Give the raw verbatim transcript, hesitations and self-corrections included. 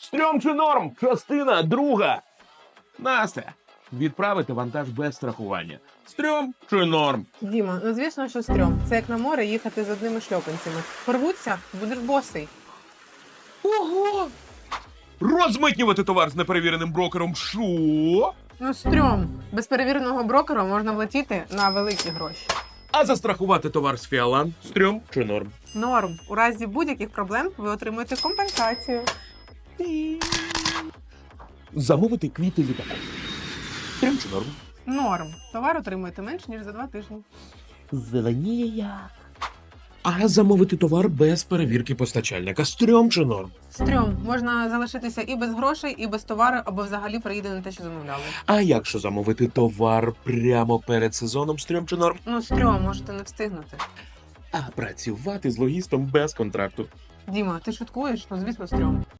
Стрьом чи норм? Частина друга. Настя, відправити вантаж без страхування. Стрьом чи норм? Діма, ну звісно, що стрьом. Це як на море їхати з одними шльопанцями. Порвуться, будеш босий. Ого! Розмитнювати товар з неперевіреним брокером. Що? Ну стрьом. Без перевіреного брокера можна влетіти на великі гроші. А застрахувати товар з Фіалан? Стрьом чи норм? Норм. У разі будь-яких проблем ви отримуєте компенсацію. Замовити квіти літаку. Стрьом чи норм? Норм. Товар отримуєте менш, ніж за два тижні. Зеленіє як. А замовити товар без перевірки постачальника. Стрьом чи норм? Стрьом. Можна залишитися і без грошей, і без товару, або взагалі приїде не те, що замовляли. А якщо замовити товар прямо перед сезоном? Стрьом чи норм? Ну стрьом, можете не встигнути. А працювати з логістом без контракту. Діма, ти шуткуєш? Ну звісно, стрьом.